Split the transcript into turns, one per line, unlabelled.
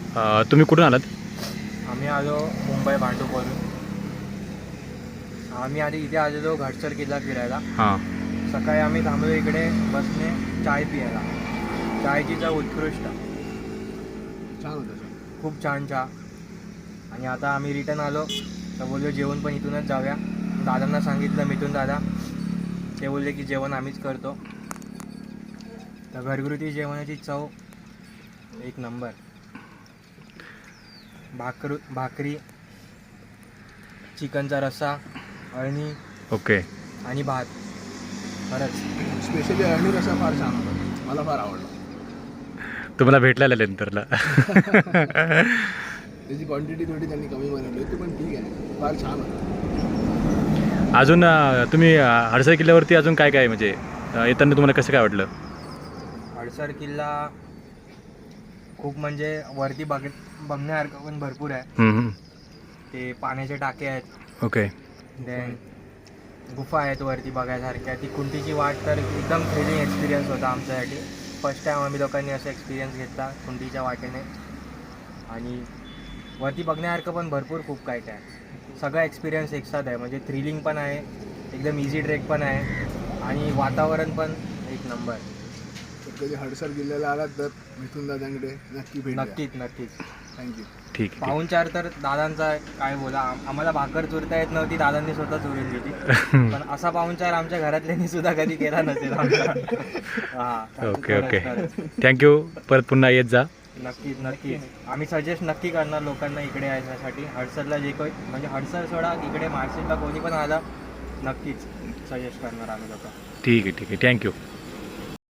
तुम्ही कुठून आलात?
आम्ही आलो मुंबई भांडूपवरून. आम्ही आधी इथे आलेलो घाटसर किल्ला फिरायला.
हां.
सकाळी आम्ही थांबलो इकडे बसने चाय पियायला. चायची चव उत्कृष्ट,
छान होतं.
खूप छान चहा. आणि आता आम्ही रिटर्न आलो तर बोललो जेवण पण इथूनच जाऊया. दादांना सांगितलं, मिथून दादा, ते बोलले की जेवण आम्हीच करतो. तर घरगुती जेवणाची चव एक नंबर. भाकरी, चिकनचा रस्सा, अळणी
ओके.
आणि भात. खरंच
स्पेशली अळणी रस्सा फार छान होता, मला फार आवडला.
तुम्हाला भेटलेला नंतरला.
त्याची क्वांटिटी थोडी त्यांनी कमी बनवली होती, पण ठीक आहे, फार छान होतं.
अजून तुम्ही हडसर किल्ल्यावरती अजून काय काय म्हणजे येताना तुम्हाला कसं काय वाटलं?
हडसर किल्ला खूप म्हणजे वरती बघण्यासारखं पण भरपूर आहे. ते पाण्याचे टाके आहेत,
ओके.
देन गुफा आहेत वरती बघायसारख्या. ती कुंटीची वाट तर एकदम थ्रिलिंग एक्सपिरियन्स होता आमच्यासाठी. फर्स्ट टाईम आम्ही लोकांनी असं एक्सपिरियन्स घेतला कुंटीच्या वाटेने. आणि वरती बघण्यासारखं पण भरपूर खूप काय काय आहे. सगळा एक्सपिरियन्स एकसाथ आहे, म्हणजे थ्रिलिंग पण आहे, एकदम इझी ट्रेक पण आहे आणि वातावरण पण एक नंबर.
तर कधी हडसर किल्ल्याला आलात तर मिथून दादांकडे नक्की भेट द्या.
नक्कीच.
थँक्यू.
ठीक आहे.
पाहुणचार तर दादांचा काय बोला, आम्हाला भाकर चुरता येत नव्हती, दादांनी स्वतः चुरून दिली. पण असा पाहुणचार आमच्या घरातल्यांनी सुद्धा कधी केला नसेल आमचा. हां.
ओके. थँक्यू. परत पुन्हा येत जा.
नक्कीच. आम्ही सजेस्ट नक्की करणार लोकांना इकडे येण्यासाठी. हडसरला जे काही म्हणजे हडसर सोडा, इकडे मार्शिलला कोणी पण आलं नक्कीच सजेस्ट करणार आम्ही लोक.
ठीक आहे. थँक्यू.